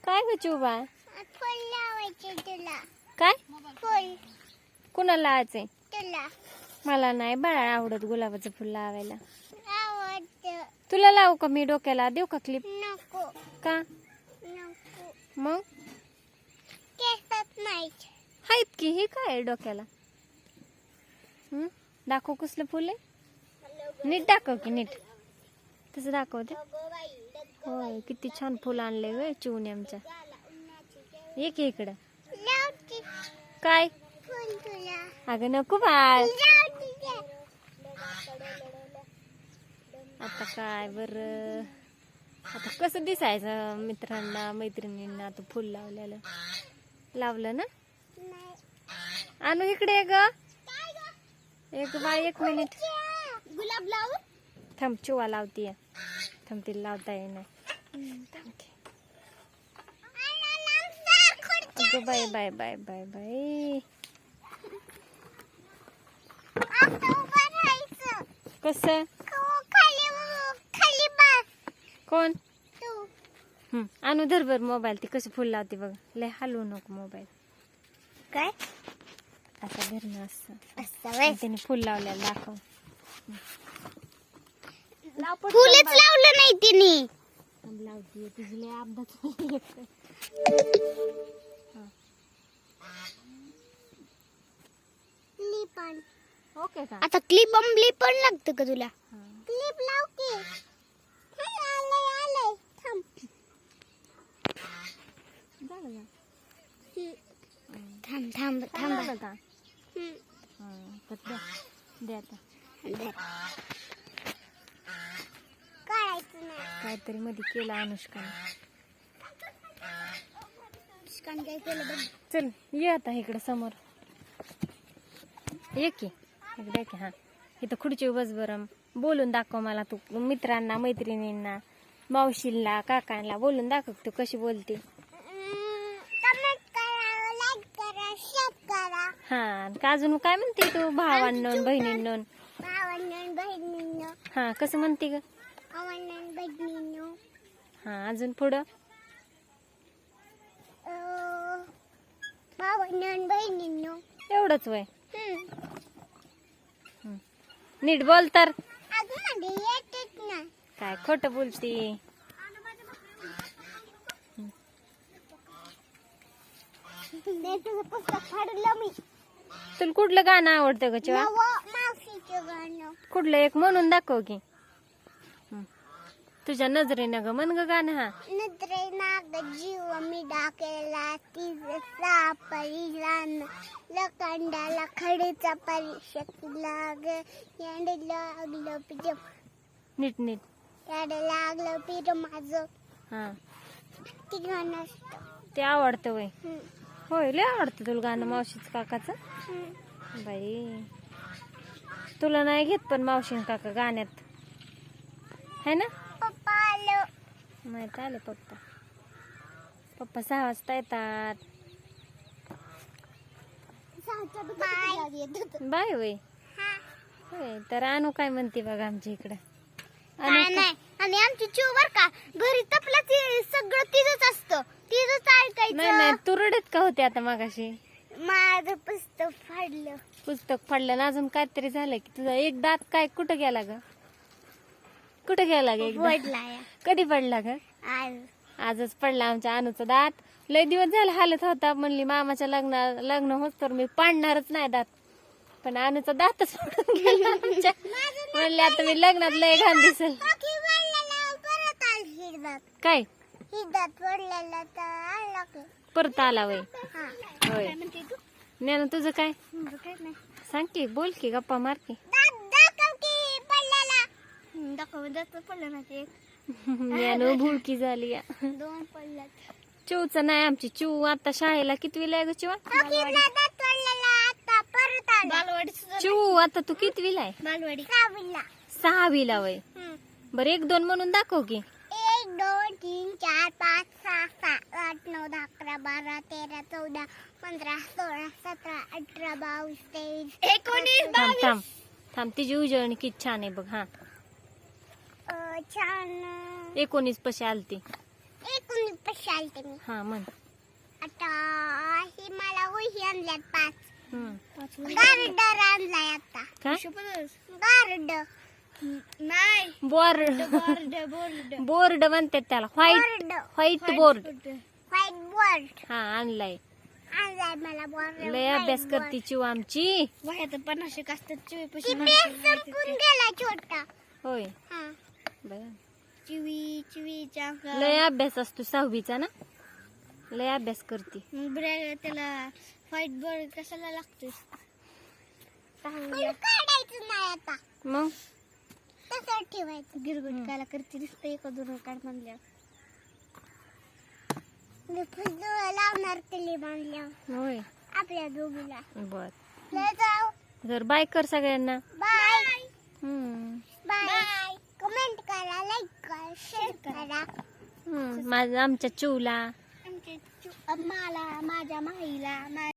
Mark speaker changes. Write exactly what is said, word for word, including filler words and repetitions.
Speaker 1: काय ग चुबा?
Speaker 2: फुल लावायचे तुला.
Speaker 1: काय
Speaker 2: फुल
Speaker 1: कुणाला लावायचंय?
Speaker 2: तुला
Speaker 1: मला नाही बाळा आवडत गुलाबाचं फुल लावायला.
Speaker 2: आवडतं.
Speaker 1: तुला लावू का मी डोक्याला? देऊ का क्लिप?
Speaker 2: नको
Speaker 1: का
Speaker 2: नको.
Speaker 1: मग?
Speaker 2: केसात नाही.
Speaker 1: आहेत की. हे काय आहे डोक्याला? हम्म दाखव कसलं फुल आहे. नीट दाखव की नीट. तसं दाखवते. होय किती छान फुल आणले ग चिवणी आमच्या. ये की इकडं.
Speaker 2: लावते
Speaker 1: काय
Speaker 2: फुल तुला.
Speaker 1: अगं नको बाळ.
Speaker 2: लावते ते.
Speaker 1: आता काय बर आता कसं दिसायचं मित्रांना मैत्रिणींना आता फुल लावलेलं. लावलं ना?
Speaker 2: नाही.
Speaker 1: आणू इकडे ये ग. एक बाळ एक मिनिट
Speaker 2: गुलाब लावू.
Speaker 1: थांब चिवा लावतीये. थांब तिला लावता येईना. थांब की. अगं bye bye bye bye bye. कसं कोण? हम्म आणू धर बर मोबाईल. ती कसं फुल लावते बघ. लय हलवू नको मोबाईल.
Speaker 2: काय
Speaker 1: आता धरणं असं
Speaker 2: असं
Speaker 1: तिने फुल लावलेलं दाखव.
Speaker 2: फुलच लावलं नाही तिने.
Speaker 1: लावतीये तुझी लय अपघात. ओके का?
Speaker 2: आता क्लिप अंबली पण लागतं का तुला? क्लिप लाव की. आलंय आलंय. थांब
Speaker 1: झालं
Speaker 2: थांब थांब
Speaker 1: का?
Speaker 2: थांब.
Speaker 1: झालं का? हा, तर द्या. द्या आता.
Speaker 2: काढायचं नाही.
Speaker 1: काहीतरी मध्ये केलं अनुष्काने.
Speaker 2: काय केलं बघ.
Speaker 1: चल ये आता इकडे समोर ये की. इकडे ये की. हा इथं खुर्ची बस बरं. बोलून दाखव मला तू मित्रांना मैत्रिणींना मावशीला काकांना बोलून दाखव तू कशी बोलते.
Speaker 2: कमेंट करा, लाईक करा, शेअर करा.
Speaker 1: हा का अजून काय म्हणते तू भावांनो बहिणींनो?
Speaker 2: भावांनो बहिणींनो.
Speaker 1: हा कसं म्हणते ग?
Speaker 2: भावांनो बहिणींनो.
Speaker 1: हा अजून पुढं
Speaker 2: अं, भावांनो बहिणींनो.
Speaker 1: एवढंच वय.
Speaker 2: हम्म.
Speaker 1: नीट बोल तर.
Speaker 2: अजून मध्ये येतच नाही.
Speaker 1: काय खोट बोलती.
Speaker 2: ते तुझं पुस्तक फाडलं मी.
Speaker 1: तुला कुठलं गाणं आवडतं ग चिवा?
Speaker 2: नवं मावशीचं गाणं.
Speaker 1: कुठलं एक म्हणून दाखव की. हं. तुझ्या नजरेनं ग म्हण ग गाणं. हा
Speaker 2: नजरे नाग जीव मी डाकेला तिचं सापरीलान लकांडाला खडीचा परिषद लाग याड लागलं पिर
Speaker 1: नीट नीट
Speaker 2: याड लागलं पिर माझं.
Speaker 1: हा
Speaker 2: ती गाणं असतं.
Speaker 1: ते आवडतं वय.
Speaker 2: हम्म.
Speaker 1: होय लय आवडतं तुला गाणं मावशीच काकाचं.
Speaker 2: हम्म.
Speaker 1: बाई तुला नाही घेत पण मावशी काका गाण्यात है ना?
Speaker 2: पप्पा आलं.
Speaker 1: माहित आले पप्पा. पप्पा सहा वाजता येतात.
Speaker 2: बाय.
Speaker 1: बाय वय.
Speaker 2: हा.
Speaker 1: होय तर आणू काय म्हणते बघा आमच्या इकडं.
Speaker 2: काय नाही. आणि आमची चिव बर का घरी तपला सगळं तिथंच असतं. तिथंच
Speaker 1: नाही
Speaker 2: ऐकायचं.
Speaker 1: नाही तू रडत का होते आता मगाशी?
Speaker 2: माझं पुस्तक फाडलं.
Speaker 1: पुस्तक फाडलं ना अजून काहीतरी झालं की तुझा एक दात काय कुठं गेला ग? कुठं गेला ग एक दात?
Speaker 2: पडला या.
Speaker 1: कधी पडला ग?
Speaker 2: आज
Speaker 1: आजच पडला आमच्या अनुचा दात. लय दिवस झाला हालत होता. म्हणली मामाच्या लग्न लग्न होत तर मी पाडणारच नाही दात. पण अनुचा दातच पडून गेला आमच्या. म्हणले आता मी लग्नात लय घाण दिसल.
Speaker 2: परत आल हिरदात.
Speaker 1: काय
Speaker 2: हिरदात पडलेला तर आला की.
Speaker 1: परत आला वय.
Speaker 2: हा.
Speaker 1: होय
Speaker 2: काय म्हणते तू?
Speaker 1: ज्ञानू तुझं काय?
Speaker 2: माझं काय नाही.
Speaker 1: सांग की बोल की गप्पा मार की.
Speaker 2: दात दाखव की पडलेला. दाखव दात पडलं ना ते.
Speaker 1: ज्ञानू भुळकी झाली या.
Speaker 2: दोन पडल्यात.
Speaker 1: चिवचं नाही आमची चिव आता शाळेला कितवीला आहे ग चिवा?
Speaker 2: हिरदा दात पडलेला आता परत आला. बालवाडी
Speaker 1: चिव आता तू कितवीला आहे?
Speaker 2: बालवाडी. सहावीला.
Speaker 1: सहावीला वय. बरं एक दोन म्हणून दाखव की.
Speaker 2: एक दोन तीन चार पाच सहा सात आठ नऊ दहा अकरा बारा तेरा चौदा पंधरा सोळा सतरा अठरा बावीस तेवीस एकोणीस
Speaker 1: थांब थांब थांब तिची उजळणी किती छान आहे बघ. हा
Speaker 2: छान.
Speaker 1: एकोणीस पशी आलती.
Speaker 2: एकोणीस चालते मी.
Speaker 1: हा म्हण.
Speaker 2: आता ही मला वही आणल्यात पाच.
Speaker 1: हम्म.
Speaker 2: गार्डर आणलाय आता.
Speaker 1: काय
Speaker 2: गार्ड नाही
Speaker 1: बोर्ड
Speaker 2: बोर्ड बोर्ड
Speaker 1: बोर्ड म्हणतात त्याला. 
Speaker 2: Whiteboard
Speaker 1: whiteboard.
Speaker 2: Whiteboard
Speaker 1: हा आणलाय.
Speaker 2: आणलाय मला बोर्ड.
Speaker 1: लय अभ्यास करती चिव आमची.
Speaker 2: वह्यात पन्नाशे असतात चिवी संपून गेला छोटा.
Speaker 1: होय.
Speaker 2: हा
Speaker 1: बरं.
Speaker 2: चिवी चिवीच्या
Speaker 1: लय अभ्यास असतो सहावीचा ना. लय अभ्यास करती.
Speaker 2: ब्रॅग त्याला व्हाईट बोर्ड कशाला लागतोय. काढायचं नाही आता.
Speaker 1: मग
Speaker 2: तसं ठेवायचं. गिरगुट काला करते दिसतं एका दोन काढ म्हणल्या. लावणार तिली बांधल्या
Speaker 1: होय.
Speaker 2: आपल्या दोघीला.
Speaker 1: बर.
Speaker 2: लय जाऊ.
Speaker 1: तर बाय कर सगळ्यांना.
Speaker 2: बाय
Speaker 1: हम्म.
Speaker 2: बाय. कमेंट करा, लाईक करा, शेअर करा.
Speaker 1: हम्म. माझ्या आमच्या चिवला.
Speaker 2: आमच्या चु- मला माझ्या माईला